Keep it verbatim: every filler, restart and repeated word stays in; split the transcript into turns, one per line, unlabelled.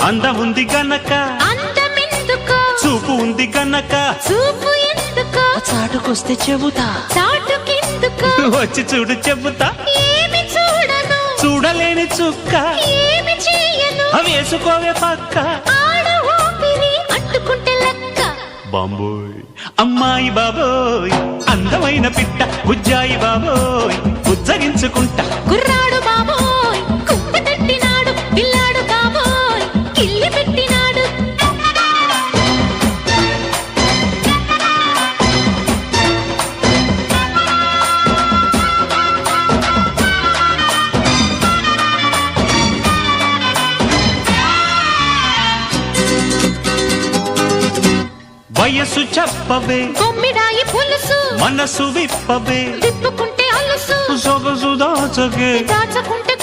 అందముంది గనక
అందమెందుకో
చూపు ఉంది గనక
చూపు ఎందుకో
చాటుకొస్తే చెబుతా
చాటుకెందుకో
వచ్చి చూడు చెబుతా
ఏమి చూడను
చూడలేని చుక్క
ఏమి చేయను
వేసుకోవే పక్క
ఆడ ఊపిరి అంటుకుంటే లెక్క
బాంబోయ్ అమ్మాయి బాబోయ్ అందమైన పిట్ట బుజ్జాయి బాబోయ్ ఉజ్జగించుకుంటా
కుర్రాడు బాబోయ్ కుక్క తట్టినాడు పిల్లాడు బాబోయ్ కిల్లి పెట్టినాడు
వయసు చెప్పవే
కొమ్మిడాయి పులుసు
మనసు విప్పవే
తిప్పుకుంటే అలుసు
సొగసు దాచగే
దాచకుంటే